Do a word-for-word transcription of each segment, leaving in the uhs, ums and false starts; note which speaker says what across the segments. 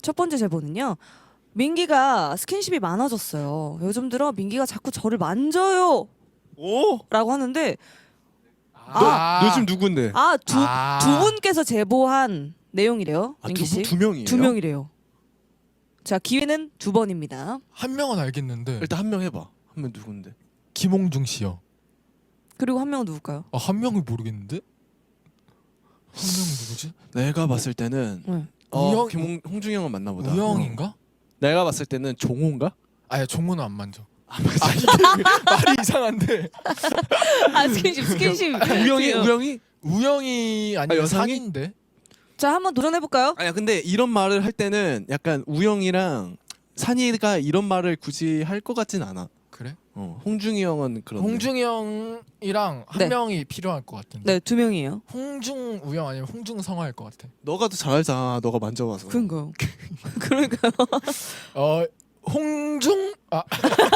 Speaker 1: 첫 번째 제보는요. 민기가 스킨십이 많아졌어요. 요즘 들어 민기가 자꾸 저를 만져요.
Speaker 2: 오?
Speaker 1: 라고 하는데
Speaker 2: 너 요즘 누군데?
Speaker 1: 아, 두,
Speaker 3: 아.
Speaker 1: 두 분께서 제보한 내용이래요.
Speaker 2: 아,
Speaker 1: 민기
Speaker 2: 두,
Speaker 1: 씨.
Speaker 2: 분- 두 명이에요?
Speaker 1: 두 명이래요. 자, 기회는 두 번입니다.
Speaker 3: 한 명은 알겠는데
Speaker 2: 일단 한 명 해봐. 한 명 누군데?
Speaker 3: 김홍중 씨요.
Speaker 1: 그리고 한 명은 누굴까요?
Speaker 3: 아, 한 명을 모르겠는데? 한 명은 누구지?
Speaker 2: 내가 봤을 때는
Speaker 1: 네.
Speaker 2: 어,
Speaker 3: 우영-
Speaker 2: 김홍 홍중이 형은 맞나 보다.
Speaker 3: 우영인가?
Speaker 2: 내가 봤을 때는 종호인가?
Speaker 3: 아야 종호는 안 만져. 아 이게 말이 이상한데
Speaker 1: 아, 스킨십, 스킨십.
Speaker 2: 우영이
Speaker 1: 지금.
Speaker 2: 우영이?
Speaker 3: 우영이 아니면
Speaker 2: 아, 여성이?
Speaker 3: 상인데?
Speaker 1: 자, 한번 도전해볼까요?
Speaker 2: 아니야 근데 이런 말을 할 때는 약간 우영이랑 산이가 이런 말을 굳이 할 것 같진 않아.
Speaker 3: 그래?
Speaker 2: 어, 홍중이 형은 그런.
Speaker 3: 홍중이 형이랑 한
Speaker 1: 네.
Speaker 3: 명이 필요할 것 같은데.
Speaker 1: 네, 두 명이에요.
Speaker 3: 홍중 우영 아니면 홍중 성화일 것 같아.
Speaker 2: 너가 더 잘 알잖아. 너가 만져봐서.
Speaker 1: 그런가요? 그러니까요.
Speaker 3: 어 홍중 아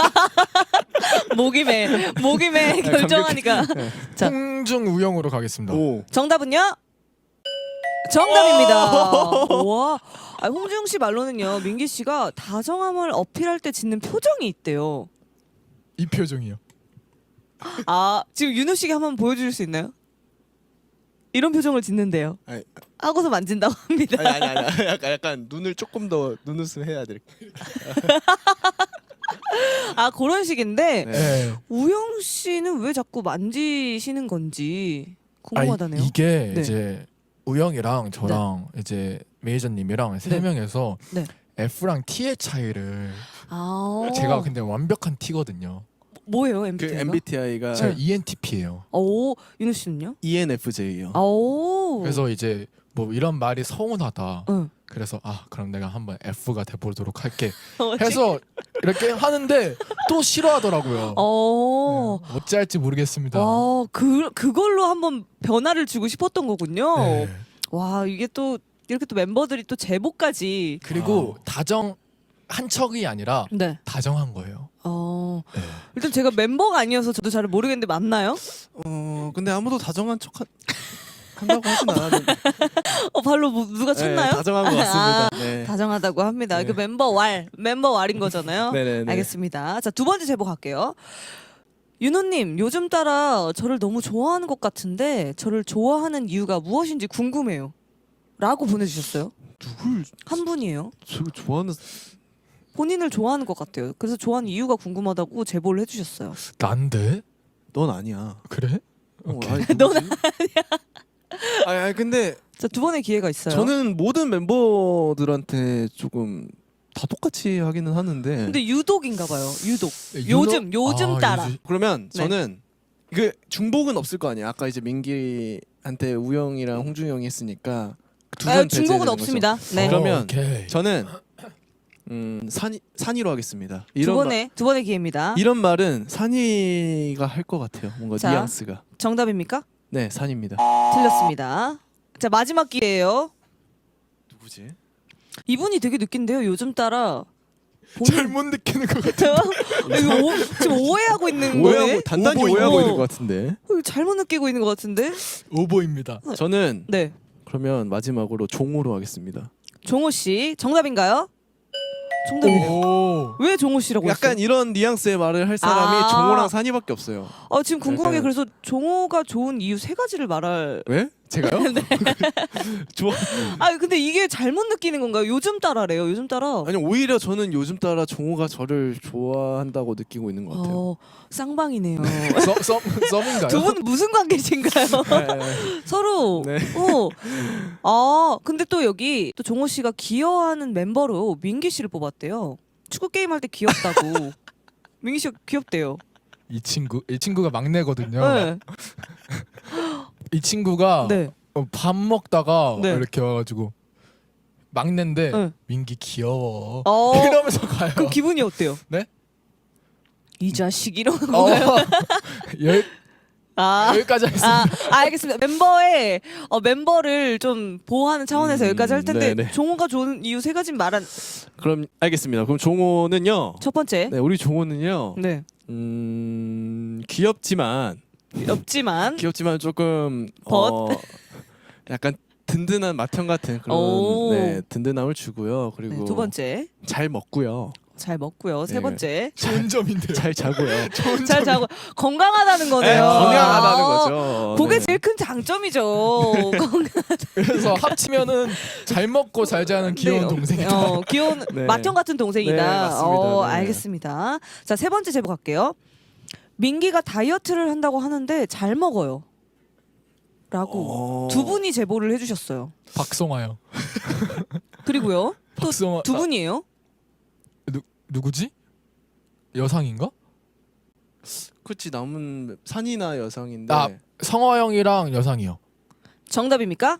Speaker 1: 목임에 목임에 결정하니까. 자.
Speaker 3: 홍중 우영으로 가겠습니다.
Speaker 2: 오.
Speaker 1: 정답은요? 정답입니다. 와, 아, 홍중 씨 말로는요, 민기 씨가 다정함을 어필할 때 짓는 표정이 있대요.
Speaker 3: 이 표정이요.
Speaker 1: 아, 지금 윤호 씨가 한번 보여줄 수 있나요? 이런 표정을 짓는데요.
Speaker 2: 아니,
Speaker 1: 하고서 만진다고 합니다.
Speaker 2: 아니 아니 아니. 약간 약간 눈을 조금 더 눈웃음 해야 될.
Speaker 1: 아, 그런 식인데
Speaker 2: 네.
Speaker 3: 네.
Speaker 1: 우영 씨는 왜 자꾸 만지시는 건지 궁금하다네요.
Speaker 3: 아, 이, 이게
Speaker 1: 네.
Speaker 3: 이제 우영이랑 저랑 이제 메이저님이랑 세
Speaker 1: 네.
Speaker 3: 명에서
Speaker 1: 네.
Speaker 3: F랑 T의 차이를
Speaker 1: 아,
Speaker 3: 제가 근데 완벽한 T거든요.
Speaker 1: 뭐예요,
Speaker 2: 그
Speaker 1: 엠비티아이가?
Speaker 2: 엠비티아이가
Speaker 3: 제가 이엔티피예요.
Speaker 1: 오, 윤호 씨는요?
Speaker 2: 이엔에프제이요.
Speaker 1: 아, 오.
Speaker 3: 그래서 이제 뭐 이런 말이 서운하다.
Speaker 1: 응.
Speaker 3: 그래서 아 그럼 내가 한번 F가 돼보도록 할게
Speaker 1: 어,
Speaker 3: 해서 이렇게 하는데 또 싫어하더라고요.
Speaker 1: 어.
Speaker 3: 네, 어찌할지 모르겠습니다.
Speaker 1: 와, 그 그걸로 한번 변화를 주고 싶었던 거군요.
Speaker 3: 네.
Speaker 1: 와, 이게 또 이렇게 또 멤버들이 또 제보까지.
Speaker 3: 그리고 다정 한 척이 아니라
Speaker 1: 네.
Speaker 3: 다정한 거예요.
Speaker 1: 어.
Speaker 3: 네.
Speaker 1: 일단 제가 멤버가 아니어서 저도 잘 모르겠는데 맞나요?
Speaker 2: 어 근데 아무도 다정한 척 하, 한다고 하진 않았는데.
Speaker 1: 어, 발로 뭐, 누가 쳤나요?
Speaker 2: 네, 다정한 것 같습니다. 네.
Speaker 1: 다정하다고 합니다.
Speaker 2: 네.
Speaker 1: 그 멤버 왈, 멤버 왈인 거잖아요.
Speaker 2: 네네네.
Speaker 1: 알겠습니다. 자, 두 번째 제보 갈게요. 윤호님, 요즘 따라 저를 너무 좋아하는 것 같은데 저를 좋아하는 이유가 무엇인지 궁금해요. 라고 보내주셨어요.
Speaker 2: 누굴
Speaker 1: 한 분이에요.
Speaker 2: 저 좋아하는
Speaker 1: 본인을 좋아하는 것 같아요. 그래서 좋아하는 이유가 궁금하다고 제보를 해주셨어요.
Speaker 3: 난데?
Speaker 2: 넌 아니야.
Speaker 3: 그래?
Speaker 2: 어,
Speaker 3: 오케이.
Speaker 2: 아니,
Speaker 1: 넌
Speaker 2: 누구지? 아니, 아니 근데
Speaker 1: 자, 두 번의 기회가 있어요.
Speaker 2: 저는 모든 멤버들한테 조금 다 똑같이 하기는 하는데.
Speaker 1: 근데 유독인가 봐요. 유독.
Speaker 3: 윤호-
Speaker 1: 요즘 요즘
Speaker 3: 아,
Speaker 1: 따라.
Speaker 3: 요즘-
Speaker 2: 그러면
Speaker 1: 네.
Speaker 2: 저는 그 중복은 없을 거 아니야. 아까 이제 민기한테 우영이랑 홍중이 형이 했으니까 두
Speaker 1: 아,
Speaker 2: 번
Speaker 1: 중복은
Speaker 2: 배제되는
Speaker 1: 없습니다.
Speaker 2: 거죠.
Speaker 1: 네.
Speaker 3: 어,
Speaker 2: 그러면
Speaker 3: 오케이.
Speaker 2: 저는 음 산이 산이로 하겠습니다.
Speaker 1: 두
Speaker 2: 이런 마-
Speaker 1: 번의 두 번의 기회입니다.
Speaker 2: 이런 말은 산이가 할 것 같아요. 뭔가
Speaker 1: 자.
Speaker 2: 뉘앙스가.
Speaker 1: 정답입니까?
Speaker 2: 네, 산입니다.
Speaker 1: 틀렸습니다. 자, 마지막 기회예요.
Speaker 2: 누구지?
Speaker 1: 이분이 되게 느낀데요. 요즘 따라 본인
Speaker 3: 잘못 느끼는 것 같아.
Speaker 1: 이거 오, 지금 오해하고 있는
Speaker 2: 오해하고
Speaker 1: 거예요.
Speaker 2: 단단히
Speaker 3: 오보,
Speaker 2: 오해하고
Speaker 1: 오보.
Speaker 2: 있는 것 같은데.
Speaker 1: 어, 이거 잘못 느끼고 있는 것 같은데.
Speaker 3: 오보입니다.
Speaker 2: 저는
Speaker 1: 네,
Speaker 2: 그러면 마지막으로 종호로 하겠습니다.
Speaker 1: 종호 씨 정답인가요? 정답이에요.
Speaker 3: 오.
Speaker 1: 왜 종호 씨라고
Speaker 2: 약간
Speaker 1: 했어요?
Speaker 2: 이런 뉘앙스의 말을 할 사람이
Speaker 1: 아.
Speaker 2: 종호랑 산이밖에 없어요.
Speaker 1: 어, 지금 궁금한 게
Speaker 2: 약간-
Speaker 1: 그래서 종호가 좋은 이유 세 가지를 말할.
Speaker 2: 왜? 제가요?
Speaker 1: 네.
Speaker 2: 좋아.
Speaker 1: 아, 근데 이게 잘못 느끼는 건가요? 요즘 따라래요. 요즘 따라.
Speaker 2: 아니 오히려 저는 요즘 따라 종호가 저를 좋아한다고 느끼고 있는 것 같아요.
Speaker 1: 어, 쌍방이네요.
Speaker 3: 썸, 썸, 썸인가요?
Speaker 1: 두 분은 무슨 관계신가요?
Speaker 2: 네.
Speaker 1: 서로.
Speaker 2: 네.
Speaker 1: 어. 아, 근데 또 여기 또 종호 씨가 기여하는 멤버로 민기 씨를 뽑았대요. 축구 게임 할 때 귀엽다고. 민기 씨가 귀엽대요.
Speaker 3: 이 친구 이 친구가 막내거든요.
Speaker 1: 네.
Speaker 3: 이 친구가
Speaker 1: 네.
Speaker 3: 어, 밥 먹다가
Speaker 1: 네.
Speaker 3: 이렇게 와가지고 막내인데
Speaker 1: 네.
Speaker 3: 민기 귀여워
Speaker 1: 어.
Speaker 3: 이러면서 가요.
Speaker 1: 그럼 기분이 어때요?
Speaker 3: 네?
Speaker 1: 이 자식 이러는
Speaker 3: 어,
Speaker 1: 건가요?
Speaker 3: 여,
Speaker 1: 아.
Speaker 3: 여기까지 하겠습니다.
Speaker 1: 아, 알겠습니다. 멤버의 어, 멤버를 좀 보호하는 차원에서
Speaker 2: 음,
Speaker 1: 여기까지 할 텐데
Speaker 2: 네네.
Speaker 1: 종호가 좋은 이유 세 가지 말한
Speaker 2: 그럼 알겠습니다. 그럼 종호는요.
Speaker 1: 첫 번째.
Speaker 2: 네, 우리 종호는요.
Speaker 1: 네.
Speaker 2: 음 귀엽지만
Speaker 1: 없지만
Speaker 2: 귀엽지만 조금
Speaker 1: 벗?
Speaker 2: 어, 약간 든든한 맏형 같은 그런
Speaker 1: 오.
Speaker 2: 네, 든든함을 주고요. 그리고
Speaker 1: 네, 두 번째
Speaker 2: 잘 먹고요.
Speaker 1: 잘 먹고요. 세
Speaker 2: 네.
Speaker 1: 번째
Speaker 3: 좋은 점인데요.
Speaker 2: 잘 자고요.
Speaker 3: 좋은
Speaker 1: 잘 자고 건강하다는 거네요.
Speaker 2: 네, 건강하다는
Speaker 1: 아,
Speaker 2: 거죠.
Speaker 1: 그게
Speaker 2: 네.
Speaker 1: 제일 큰 장점이죠. 건강.
Speaker 3: 그래서 합치면은 잘 먹고 잘 자는 귀여운
Speaker 1: 네,
Speaker 3: 동생이다.
Speaker 1: 어, 귀여운
Speaker 2: 네.
Speaker 1: 맏형 같은 동생이다.
Speaker 2: 네, 맞습니다.
Speaker 1: 어,
Speaker 2: 네.
Speaker 1: 알겠습니다. 자, 세 번째 제보 갈게요. 민기가 다이어트를 한다고 하는데 잘 먹어요. 라고
Speaker 2: 어.
Speaker 1: 두 분이 제보를 해주셨어요.
Speaker 3: 박성화요.
Speaker 1: 그리고요. 또
Speaker 3: 박성화
Speaker 1: 두 분이에요.
Speaker 3: 누 누구지? 여상인가?
Speaker 2: 그치 남은 산이나 여성인데
Speaker 3: 아 성화 형이랑 여상이요.
Speaker 1: 정답입니까?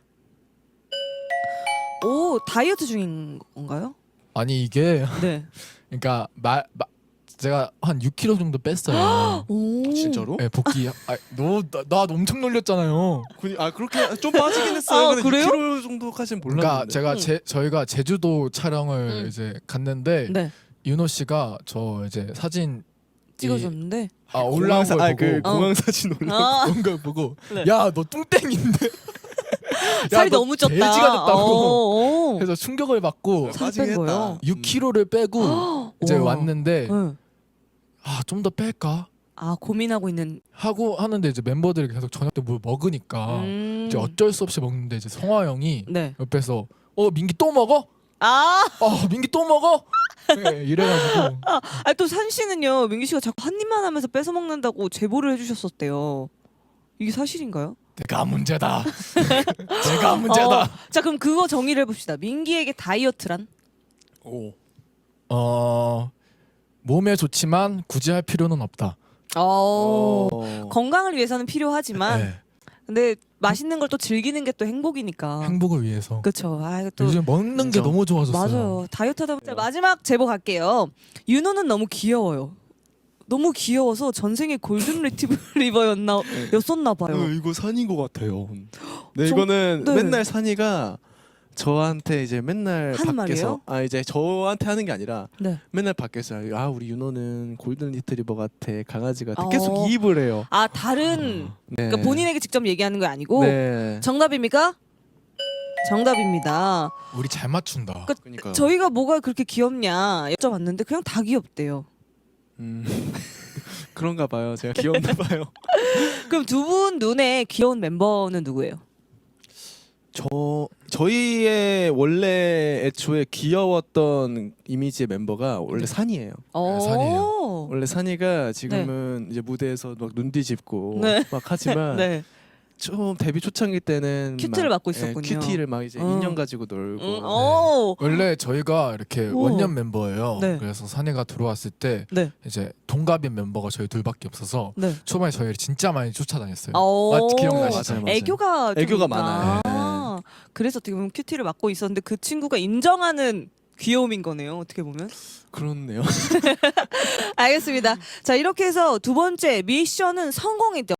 Speaker 1: 오, 다이어트 중인 건가요?
Speaker 3: 아니 이게
Speaker 1: 네.
Speaker 3: 그러니까 말 마, 제가 한 육 킬로그램 정도 뺐어요.
Speaker 1: 오.
Speaker 2: 진짜로?
Speaker 3: 네, 복귀. 아, 너나 나 엄청 놀렸잖아요.
Speaker 2: 그- 아 그렇게 좀 빠지긴 했어요.
Speaker 1: 아,
Speaker 2: 근데
Speaker 1: 그래요?
Speaker 2: 육 킬로그램 정도까지는 몰랐는데.
Speaker 3: 그러니까 제가
Speaker 1: 응.
Speaker 3: 제 저희가 제주도 촬영을
Speaker 1: 응.
Speaker 3: 이제 갔는데
Speaker 1: 네.
Speaker 3: 윤호 씨가 저 이제 사진
Speaker 1: 찍어줬는데.
Speaker 3: 아 올라온 걸
Speaker 2: 아,
Speaker 3: 보고
Speaker 2: 그
Speaker 1: 어.
Speaker 2: 공항 사진 올라.
Speaker 1: 아,
Speaker 3: 그런 걸 보고
Speaker 1: 네.
Speaker 3: 야 너 뚱땡인데
Speaker 1: 살이
Speaker 3: 너
Speaker 1: 너무 쪘다.
Speaker 3: 돼지가 됐다고.
Speaker 1: 어, 어.
Speaker 3: 그래서 충격을 받고
Speaker 1: 살
Speaker 2: 빠지긴
Speaker 1: 뺀
Speaker 2: 했다.
Speaker 1: 거예요?
Speaker 3: 육 킬로그램를 빼고 이제
Speaker 1: 우와.
Speaker 3: 왔는데
Speaker 1: 응.
Speaker 3: 아 좀 더 뺄까
Speaker 1: 아, 고민하고 있는.
Speaker 3: 하고 하는데 이제 멤버들이 계속 저녁 때 뭘 먹으니까
Speaker 1: 음.
Speaker 3: 이제 어쩔 수 없이 먹는데 이제 성화 형이
Speaker 1: 네.
Speaker 3: 옆에서 어 민기 또 먹어?
Speaker 1: 아,
Speaker 3: 어 민기 또 먹어? 네, 이래가지고
Speaker 1: 아, 또 산 씨는요, 민기 씨가 자꾸 한 입만 하면서 뺏어 먹는다고 제보를 해주셨었대요. 이게 사실인가요?
Speaker 3: 내가 문제다. 제가 문제다.
Speaker 1: 어, 자, 그럼 그거 정의를 해봅시다. 민기에게 다이어트란?
Speaker 3: 오. 어 몸에 좋지만 굳이 할 필요는 없다.
Speaker 1: 어,
Speaker 2: 어.
Speaker 1: 건강을 위해서는 필요하지만,
Speaker 3: 네,
Speaker 1: 근데 맛있는 걸 또 즐기는 게 또 행복이니까.
Speaker 3: 행복을 위해서.
Speaker 1: 그쵸. 아, 이거 또
Speaker 3: 요즘 먹는 게
Speaker 2: 인정.
Speaker 3: 너무 좋아졌어요.
Speaker 1: 맞아요. 다이어트 하다 보면 자, 마지막 제보 갈게요. 윤호는 너무 귀여워요. 너무 귀여워서 전생에 골든 리트리버였나 였었나 봐요.
Speaker 2: 어, 이거 산인 것 같아요. 네
Speaker 1: 저-
Speaker 2: 이거는
Speaker 1: 네.
Speaker 2: 맨날 산이가 저한테 이제 맨날
Speaker 1: 하는
Speaker 2: 밖에서
Speaker 1: 말이에요?
Speaker 2: 아 이제 저한테 하는 게 아니라
Speaker 1: 네.
Speaker 2: 맨날 밖에서 아 우리 윤호는 골든 리트리버 같아 강아지 같아
Speaker 1: 어.
Speaker 2: 계속 이입을 해요.
Speaker 1: 아, 다른
Speaker 2: 네.
Speaker 1: 그러니까 본인에게 직접 얘기하는 거 아니고
Speaker 2: 네.
Speaker 1: 정답입니까? 정답입니다.
Speaker 3: 우리 잘 맞춘다.
Speaker 1: 그-
Speaker 2: 그러니까
Speaker 1: 저희가 뭐가 그렇게 귀엽냐 여쭤봤는데 그냥 다 귀엽대요.
Speaker 2: 음. 그런가 봐요. 제가 귀엽나 봐요.
Speaker 1: 그럼 두 분 눈에 귀여운 멤버는 누구예요?
Speaker 2: 저 저희의 원래 애초에 귀여웠던 이미지의 멤버가 원래 산이에요.
Speaker 1: 어.
Speaker 3: 산이에요.
Speaker 2: 원래 산이가 지금은 이제 무대에서 막 눈 뒤집고
Speaker 1: 네.
Speaker 2: 막 하지만
Speaker 1: 네.
Speaker 2: 좀 데뷔 초창기 때는
Speaker 1: 큐티를
Speaker 2: 막,
Speaker 1: 맡고 있었군요.
Speaker 2: 예, 큐티를 막 이제
Speaker 1: 어.
Speaker 2: 인형 가지고 놀고
Speaker 1: 음, 오.
Speaker 3: 원래 저희가 이렇게
Speaker 1: 오.
Speaker 3: 원년 멤버예요.
Speaker 1: 네.
Speaker 3: 그래서 산이가 들어왔을 때
Speaker 1: 네.
Speaker 3: 이제 동갑인 멤버가 저희 둘밖에 없어서
Speaker 1: 네.
Speaker 3: 초반에 저희를 진짜 많이 쫓아다녔어요.
Speaker 1: 오.
Speaker 3: 맞- 기억나시죠?
Speaker 2: 맞아요, 맞아요.
Speaker 1: 애교가 좀
Speaker 2: 애교가
Speaker 1: 있나?
Speaker 2: 많아요.
Speaker 1: 아, 그래서 어떻게 보면 큐티를 맡고 있었는데 그 친구가 인정하는 귀여움인 거네요. 어떻게 보면.
Speaker 2: 그렇네요.
Speaker 1: 알겠습니다. 자, 이렇게 해서 두 번째 미션은 성공했죠.